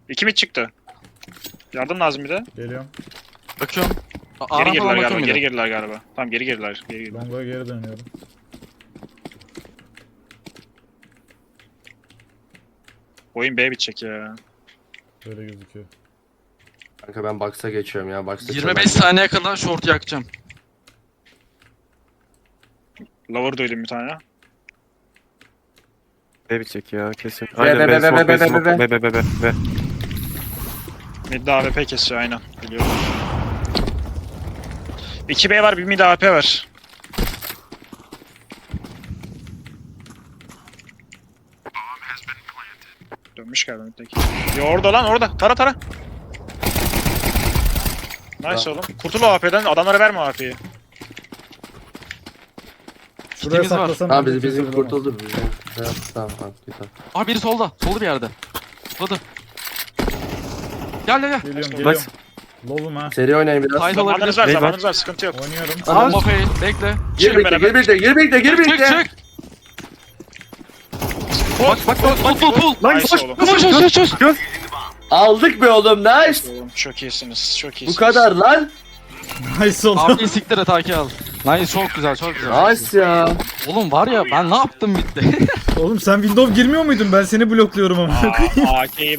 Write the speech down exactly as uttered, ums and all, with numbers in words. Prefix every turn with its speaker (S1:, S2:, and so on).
S1: İki mid çıktı. Yardım lazım bir de.
S2: Geliyorum.
S3: Bakıyorum. A-
S1: Geri
S3: Aram
S1: girdiler
S3: falan
S1: galiba.
S3: bakıyorum
S1: Geri
S3: bir de.
S1: girdiler galiba. Tamam geri girdiler. Geri girdiler.
S2: Longo'ya geri dönüyorum.
S1: Oyun B bitecek ya.
S2: Böyle gözüküyor.
S4: Kanka ben box'a geçiyorum ya. Box'a
S3: yirmi beş saniye kadar short yakacağım.
S1: Lower duydum bir tane.
S5: B bitecek ya kesin.
S4: be,
S5: Aynen
S4: be,
S5: B
S4: be,
S5: smoke
S4: be,
S5: B
S4: be,
S5: smoke
S4: be,
S5: B B B B B.
S1: Mid'de A W P kesiyor aynen. Biliyorum. iki B var, bir mid A W P var. Dönmüş galiba middeki. Yo orada lan orada. Tara tara. Nice oğlum. Kurtul o A W P'den. Adamlara verme o A W P'yi.
S2: Şuraya
S3: Kitimiz var.
S2: saklasam.
S4: Tamam
S2: bizi
S4: bizim, bizim
S2: kimse
S4: kurtuldu. Bizim. Şey yaptı, tamam tamam. Güzel.
S3: Aa biri solda. Solda bir yerde. Solda. Gel gel gel.
S2: bulamaz. Geliyorum geliyorum. Lovum ha.
S4: Seri oynayın biraz.
S3: Title
S1: Zamanınız
S3: olabilir.
S1: var,
S5: Ney
S1: zamanınız var. Sıkıntı yok.
S2: Oynuyorum.
S4: Tamam.
S3: Bomba fail. Bekle.
S4: Gir
S1: Çıkın
S4: birlikte,
S1: beraber.
S4: gir birlikte, gir birlikte, gir
S3: Çık
S4: birlikte.
S3: çık. Bak bak bak bak pul pul.
S5: Lan
S1: Nice
S5: koş.
S1: oğlum.
S3: Koş koş koş koş.
S4: Aldık be oğlum, nice.
S1: Oğlum çok iyisiniz. Çok
S4: Bu
S1: iyisiniz.
S4: kadar lan.
S2: Nice oldu.
S3: Abi siktir et Haki al. Nice çok güzel çok güzel.
S4: Nice ya.
S3: Oğlum var ya ben ne yaptım bitti.
S2: Oğlum sen Windows girmiyor muydun? Ben seni blokluyorum ama.
S1: Aa, A K'yi